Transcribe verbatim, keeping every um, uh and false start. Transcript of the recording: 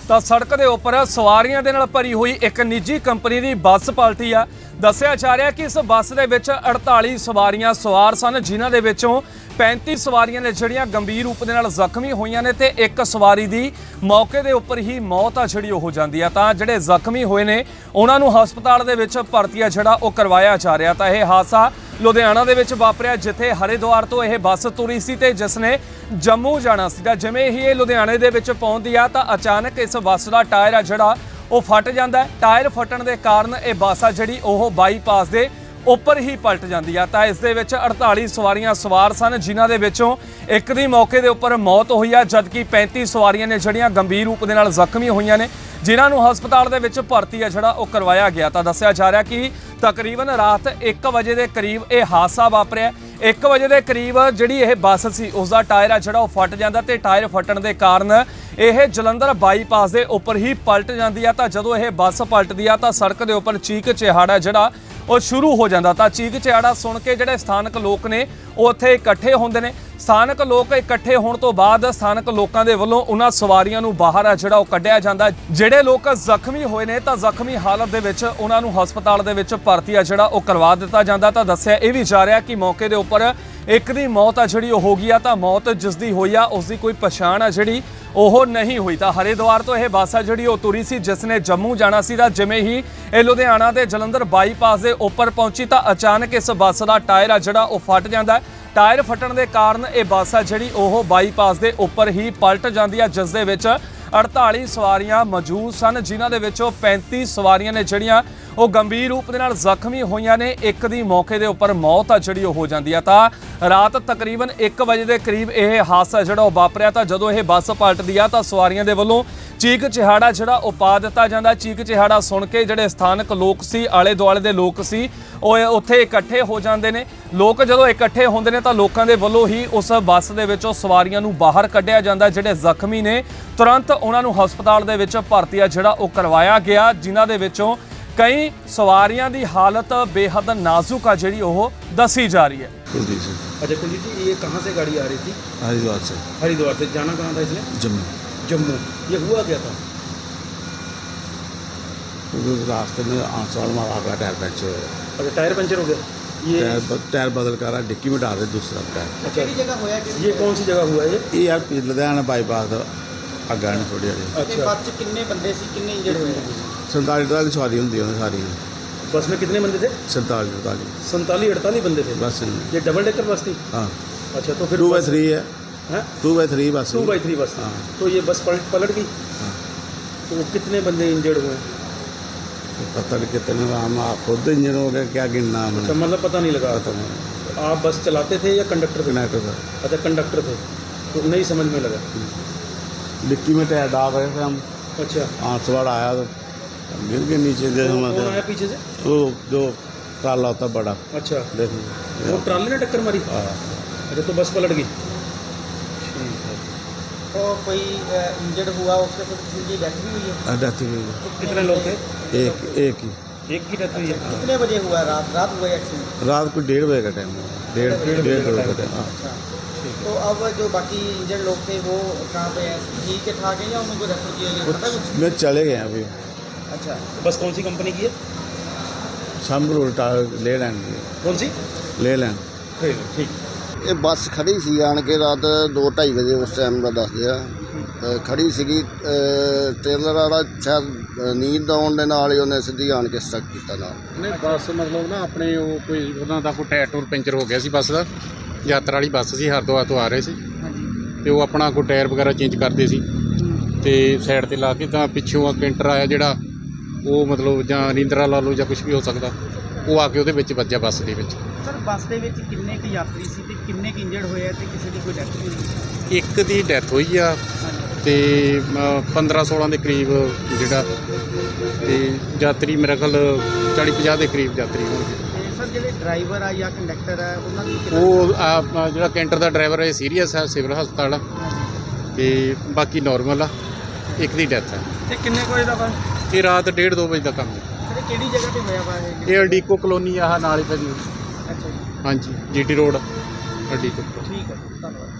ਤਾਂ ਸੜਕ ਦੇ ਉੱਪਰ ਸਵਾਰੀਆਂ ਦੇ ਨਾਲ ਭਰੀ ਹੋਈ ਇੱਕ ਨਿੱਜੀ ਕੰਪਨੀ ਦੀ ਬੱਸ ਪਲਟੀ ਆ। ਦੱਸਿਆ ਜਾ ਰਿਹਾ ਕਿ ਇਸ ਬੱਸ ਦੇ ਵਿੱਚ ਅੜਤਾਲੀ ਸਵਾਰੀਆਂ ਸਵਾਰ ਸਨ, ਜਿਨ੍ਹਾਂ ਦੇ ਵਿੱਚੋਂ पैंती ਸਵਾਰੀਆਂ ਨੇ ਜਿਹੜੀਆਂ ਗੰਭੀਰ ਰੂਪ ਦੇ ਨਾਲ ਜ਼ਖਮੀ ਹੋਈਆਂ ਨੇ ਤੇ ਇੱਕ ਸਵਾਰੀ ਦੀ ਮੌਕੇ ਦੇ ਉੱਪਰ ਹੀ ਮੌਤ ਆ ਜਿਹੜੀ ਹੋ ਜਾਂਦੀ ਆ। ਤਾਂ ਜਿਹੜੇ ਜ਼ਖਮੀ ਹੋਏ ਨੇ ਉਹਨਾਂ ਨੂੰ ਹਸਪਤਾਲ ਦੇ ਵਿੱਚ ਭਰਤੀ ਆ ਜਿਹੜਾ ਉਹ ਕਰਵਾਇਆ ਜਾ ਰਿਹਾ। ਤਾਂ ਇਹ ਹਾਦਸਾ ਲੁਧਿਆਣਾ ਦੇ ਵਿੱਚ ਵਾਪਰਿਆ, ਜਿੱਥੇ ਹਰਿਦੁਆਰ ਤੋਂ ਇਹ ਬੱਸ ਤੁਰੀ ਸੀ ਤੇ ਜਿਸ ਨੇ ਜੰਮੂ ਜਾਣਾ ਸੀਗਾ। ਜਿਵੇਂ ਹੀ ਇਹ ਲੁਧਿਆਣੇ ਦੇ ਵਿੱਚ ਪਹੁੰਚਦੀ ਆ ਤਾਂ ਅਚਾਨਕ ਇਸ ਬੱਸ ਦਾ ਟਾਇਰ ਆ ਜਿਹੜਾ ਉਹ ਫਟ ਜਾਂਦਾ ਹੈ। ਟਾਇਰ ਫਟਣ ਦੇ ਕਾਰਨ ਇਹ ਬੱਸ ਆ ਜਿਹੜੀ ਉਹ ਬਾਈਪਾਸ ਦੇ ਉੱਪਰ ਹੀ ਪਲਟ ਜਾਂਦੀ ਆ। ਤਾਂ ਇਸ ਦੇ ਵਿੱਚ ਅੜਤਾਲੀ ਸਵਾਰੀਆਂ ਸਵਾਰ ਸਨ, ਜਿਨ੍ਹਾਂ ਦੇ ਵਿੱਚੋਂ ਇੱਕ ਦੀ ਮੌਕੇ ਦੇ ਉੱਪਰ ਮੌਤ ਹੋਈ ਆ, ਜਦਕਿ ਪੈਂਤੀ ਸਵਾਰੀਆਂ ਨੇ ਜਿਹੜੀਆਂ ਗੰਭੀਰ ਰੂਪ ਦੇ ਨਾਲ ਜ਼ਖਮੀ ਹੋਈਆਂ ਨੇ, ਜਿਨ੍ਹਾਂ ਨੂੰ ਹਸਪਤਾਲ ਦੇ ਵਿੱਚ ਭਰਤੀ ਆ ਜਿਹੜਾ ਉਹ ਕਰਵਾਇਆ ਗਿਆ। ਤਾਂ ਦੱਸਿਆ ਜਾ ਰਿਹਾ ਕਿ ਤਕਰੀਬਨ ਰਾਤ ਇੱਕ ਵਜੇ ਦੇ ਕਰੀਬ ਇਹ ਹਾਦਸਾ ਵਾਪਰਿਆ। ਇੱਕ ਵਜੇ ਦੇ ਕਰੀਬ ਜਿਹੜੀ ਇਹ ਬੱਸ ਸੀ ਉਸ ਦਾ ਟਾਇਰ ਆ ਜਿਹੜਾ ਉਹ ਫਟ ਜਾਂਦਾ ਤੇ ਟਾਇਰ ਫਟਣ ਦੇ ਕਾਰਨ ਇਹ ਜਲੰਧਰ ਬਾਈਪਾਸ ਦੇ ਉੱਪਰ ਹੀ ਪਲਟ ਜਾਂਦੀ ਆ। ਤਾਂ ਜਦੋਂ ਇਹ ਬੱਸ ਪਲਟਦੀ ਆ ਤਾਂ ਸੜਕ ਦੇ ਉੱਪਰ ਚੀਕ ਚਿਹਾੜਾ ਜਿਹੜਾ ਉਹ ਸ਼ੁਰੂ ਹੋ ਜਾਂਦਾ। ਤਾਂ ਚੀਕ ਚਿਹਾੜਾ ਸੁਣ ਕੇ ਜਿਹੜੇ ਸਥਾਨਕ ਲੋਕ ਨੇ ਉਹ ਉੱਥੇ ਇਕੱਠੇ ਹੁੰਦੇ ਨੇ। ਸਥਾਨਕ ਲੋਕ ਇਕੱਠੇ ਹੋਣ ਤੋਂ ਬਾਅਦ ਸਥਾਨਕ ਲੋਕਾਂ ਦੇ ਵੱਲੋਂ ਉਹਨਾਂ ਸਵਾਰੀਆਂ ਨੂੰ ਬਾਹਰ ਆ ਜਿਹੜਾ ਉਹ ਕੱਢਿਆ ਜਾਂਦਾ। ਜਿਹੜੇ ਲੋਕ ਜ਼ਖਮੀ ਹੋਏ ਨੇ ਤਾਂ ਜ਼ਖਮੀ ਹਾਲਤ ਦੇ ਵਿੱਚ ਉਹਨਾਂ ਨੂੰ ਹਸਪਤਾਲ ਦੇ ਵਿੱਚ ਭਰਤੀ ਆ ਜਿਹੜਾ ਉਹ ਕਰਵਾ ਦਿੱਤਾ ਜਾਂਦਾ। ਤਾਂ ਦੱਸਿਆ ਇਹ ਵੀ ਜਾ ਰਿਹਾ ਕਿ ਮੌਕੇ ਦੇ ਉੱਪਰ ਇੱਕ ਦੀ ਮੌਤ ਆ ਜਿਹੜੀ ਉਹ ਹੋ ਗਈ ਆ। ਤਾਂ ਮੌਤ ਜਿਸ ਦੀ ਹੋਈ ਆ ਉਸ ਦੀ ਕੋਈ ਪਛਾਣ ਆ ਜਿਹੜੀ ਉਹ ਨਹੀਂ ਹੋਈ। ਤਾਂ ਹਰਿਦੁਆਰ ਤੋਂ ਇਹ ਬੱਸ ਆ ਜਿਹੜੀ ਉਹ ਤੁਰੀ ਸੀ, ਜਿਸ ਨੇ ਜੰਮੂ ਜਾਣਾ ਸੀ। ਤਾਂ ਜਿਵੇਂ ਹੀ ਇਹ ਲੁਧਿਆਣਾ ਦੇ ਜਲੰਧਰ ਬਾਈਪਾਸ ਦੇ ਉੱਪਰ ਪਹੁੰਚੀ ਤਾਂ ਅਚਾਨਕ ਇਸ ਬੱਸ ਦਾ ਟਾਇਰ ਆ ਜਿਹੜਾ ਉਹ ਫਟ ਜਾਂਦਾ। ਟਾਇਰ ਫਟਣ ਦੇ ਕਾਰਨ ਇਹ ਬੱਸ ਆ ਜਿਹੜੀ ਉਹ ਬਾਈਪਾਸ ਦੇ ਉੱਪਰ ਹੀ ਪਲਟ ਜਾਂਦੀ ਆ, ਜਿਸ ਦੇ ਵਿੱਚ ਅੜਤਾਲੀ ਸਵਾਰੀਆਂ ਮੌਜੂਦ ਸਨ, ਜਿਨ੍ਹਾਂ ਦੇ ਵਿੱਚੋਂ ਪੈਂਤੀ ਸਵਾਰੀਆਂ ਨੇ ਜਿਹੜੀਆਂ ਉਹ ਗੰਭੀਰ ਰੂਪ ਦੇ ਨਾਲ ਜ਼ਖਮੀ ਹੋਈਆਂ ਨੇ। ਇੱਕ ਦੀ ਮੌਕੇ ਦੇ ਉੱਪਰ ਮੌਤ ਆ ਜਿਹੜੀ ਉਹ ਹੋ ਜਾਂਦੀ ਆ। ਤਾਂ ਰਾਤ ਤਕਰੀਬਨ ਇੱਕ ਵਜੇ ਦੇ ਕਰੀਬ ਇਹ ਹਾਦਸਾ ਜਿਹੜਾ ਉਹ ਵਾਪਰਿਆ। ਤਾਂ ਜਦੋਂ ਇਹ ਬੱਸ ਪਲਟਦੀ ਆ ਤਾਂ ਸਵਾਰੀਆਂ ਦੇ ਵੱਲੋਂ ਚੀਕ ਚਿਹਾੜਾ ਜਿਹੜਾ ਉਹ ਪਾ ਦਿੱਤਾ ਜਾਂਦਾ। ਚੀਕ ਚਿਹਾੜਾ ਸੁਣ ਕੇ ਜਿਹੜੇ ਸਥਾਨਕ ਲੋਕ ਸੀ, ਆਲੇ ਦੁਆਲੇ ਦੇ ਲੋਕ ਸੀ, ਉਹ ਉੱਥੇ ਇਕੱਠੇ ਹੋ ਜਾਂਦੇ ਨੇ। ਲੋਕ ਜਦੋਂ ਇਕੱਠੇ ਹੁੰਦੇ ਨੇ ਤਾਂ ਲੋਕਾਂ ਦੇ ਵੱਲੋਂ ਹੀ ਉਸ ਬੱਸ ਦੇ ਵਿੱਚੋਂ ਸਵਾਰੀਆਂ ਨੂੰ ਬਾਹਰ ਕੱਢਿਆ ਜਾਂਦਾ। ਜਿਹੜੇ ਜ਼ਖਮੀ ਨੇ ਤੁਰੰਤ ਉਹਨਾਂ ਨੂੰ ਹਸਪਤਾਲ ਦੇ ਵਿੱਚ ਭਰਤੀ ਆ ਜਿਹੜਾ ਉਹ ਕਰਵਾਇਆ ਗਿਆ, ਜਿਨ੍ਹਾਂ ਦੇ ਵਿੱਚੋਂ कई सवारियां दी हालत बेहद नाजुक आ जी वो दसी जा रही है। कुलदीप सिंह। अच्छा कुलदीप जी, ये कहाँ से गाड़ी आ रही थी? हरिद्वार से। हरिद्वार से जाना कहाँ था इसने? जम्मू। जम्मू। ये हुआ क्या था? रास्ते में आंसवाड़ मारा गया, टायर पंचर हो गया। अच्छा टायर पंचर हो गया। ये टायर टायर बदल कर रहा, डिक्की में डाल रहे दूसरा टायर। अच्छा जगह हुआ है? ये कौन सी जगह हुआ है ये? ये यार लुधियाना बाईपास अग्गा ने थोड़ी हारी। अच्छा बस कितने बंदे सी कितने इंजर्ड हुए? संताली अड़ताली सवारी होंगी सारी। बस में कितने बंदे थे? संताली अड़ताली संताली अड़ताली बंदे थे बस। ये डबल डेकर बस थी? हाँ। अच्छा तो फिर टू बाई थ्री है। हैं टू बाई थ्री बस। टू बाई थ्री बस। हाँ। तो ये बस पलट पलट गई। हाँ। तो कितने बंदे इंजर्ड हुए? पता नहीं कितने, हम खुद इंजन हो गया क्या गिनना हमने। अच्छा मतलब पता नहीं लगा। पता नहीं। आप बस चलाते थे या कंडक्टर थे? कंडक्टर था। अच्छा कंडक्टर थे, तो नहीं समझ में लगा। डिक्की में टायर डाल रहे थे हम। अच्छा आंसवाड़ आया तो गिर के नीचे दे। कौन आया पीछे से? वो जो ट्राला होता बड़ा। अच्छा देखो वो ट्राले ने टक्कर मारी। हाँ। अच्छा तो बस पलट गई। ठीक है। तो कोई इंजर्ड हुआ उसके तो किसी की डेथ भी हुई है? डेथ हुई है। तो कितने लोग थे? एक एक ही एक की डेथ हुई है। कितने बजे हुआ? रात रात हुआ एक्सीडेंट? रात को डेढ़ बजे का टाइम है। डेढ़ डेढ़ बजे का टाइम। हाँ। अच्छा तो अब जो बाकी इंजर्ड लोग थे वो कहाँ पे हैं? ठीक है ठाक है या उनको रेफर किया गया? पता कुछ? मैं चले गए अभी। अच्छा बस कौन सी कंपनी की है? शामपुर ले लैंड की। कौन सी? ले लैंड। ठीक। ਇਹ ਬੱਸ ਖੜੀ ਸੀ ਆਣ ਕੇ ਰਾਤ ਦੋ ਢਾਈ ਵਜੇ ਉਸ ਟਾਈਮ ਦਾ ਦੱਸਦੇ ਆ। ਖੜੀ ਸੀਗੀ, ਟ੍ਰੇਲਰ ਵਾਲਾ ਸ਼ਾਇਦ ਨੀਂਦ ਆਉਣ ਦੇ ਨਾਲ ਹੀ ਉਹਨੇ ਸਿੱਧੀ ਆਣ ਕੇ ਸਟਕ ਕੀਤਾ ਨਾਲ। ਨਹੀਂ ਬੱਸ ਮਤਲਬ ਨਾ ਆਪਣੇ ਉਹ ਕੋਈ ਉਹਨਾਂ ਦਾ ਕੋਈ ਟਾਇਰ ਟੂਰ ਪੈਂਚਰ ਹੋ ਗਿਆ ਸੀ ਬੱਸ ਦਾ। ਯਾਤਰਾ ਵਾਲੀ ਬੱਸ ਸੀ, ਹਰਿਦੁਆਰ ਤੋਂ ਆ ਰਹੇ ਸੀ ਤੇ ਉਹ ਆਪਣਾ ਕੋਈ ਟਾਇਰ ਵਗੈਰਾ ਚੇਂਜ ਕਰਦੇ ਸੀ ਤੇ ਸਾਈਡ ਤੇ ਲਾ ਕੇ ਤਾਂ ਪਿੱਛੋਂ ਕੈਂਟਰ ਆਇਆ ਜਿਹੜਾ ਉਹ ਮਤਲਬ ਜਾਂ ਨੀਂਦਰਾ ਲਾ ਲਓ ਜਾਂ ਕੁਝ ਵੀ ਹੋ ਸਕਦਾ, ਉਹ ਆ ਕੇ ਉਹਦੇ ਵਿੱਚ ਵੱਜਿਆ ਬੱਸ ਦੇ ਵਿੱਚ। ਸਰ ਬੱਸ ਦੇ ਵਿੱਚ ਕਿੰਨੇ ਕੁ ਯਾਤਰੀ ਸੀ ਤੇ ਕਿੰਨੇ ਕੁ ਇੰਜਰਡ ਹੋਏ ਆ ਤੇ ਕਿਸੇ ਦੀ ਕੋਈ ਡੈਥ ਵੀ ਹੋਈ? ਇੱਕ ਦੀ ਡੈਥ ਹੋਈ ਆ ਤੇ ਪੰਦਰਾਂ ਸੋਲਾਂ ਦੇ ਕਰੀਬ ਜਿਹੜਾ ਤੇ ਯਾਤਰੀ ਮੇਰੇ ਖਿਆਲ ਚਾਲੀ ਪੰਜਾਹ ਦੇ ਕਰੀਬ ਯਾਤਰੀ ਹੋਣਗੇ। ਤੇ ਸਰ ਜਿਹੜੇ ਡਰਾਈਵਰ ਆ ਜਾਂ ਕੰਡਕਟਰ ਆ ਉਹਨਾਂ ਦੀ ਉਹ ਆ ਜਿਹੜਾ ਕੈਂਟਰ ਦਾ ਡਰਾਈਵਰ ਹੈ ਸੀਰੀਅਸ ਹੈ, ਸਿਵਲ ਹਸਪਤਾਲ ਆ ਤੇ ਬਾਕੀ ਨੋਰਮਲ ਆ। ਇੱਕ ਦੀ ਡੈਥ ਹੈ। ਤੇ ਕਿੰਨੇ ਕੋਈ ਦਾ ਵਾ? ਇਹ ਰਾਤ ਡੇਢ ਦੋ ਵਜੇ ਦਾ ਕੰਮ ਹੈ। ਸਰ ਕਿਹੜੀ ਜਗ੍ਹਾ ਤੇ ਹੋਇਆ ਵਾ ਇਹ? ਇਹ ਅਡੀਕੋ ਕਲੋਨੀ ਆਹ ਨਾਲ ਹੀ ਪੈਂਦੀ। ਅੱਛਾ ਜੀ ਹਾਂਜੀ ਜੀ ਟੀ ਰੋਡ ਅਡੀਕੋ। ਠੀਕ ਹੈ ਧੰਨਵਾਦ।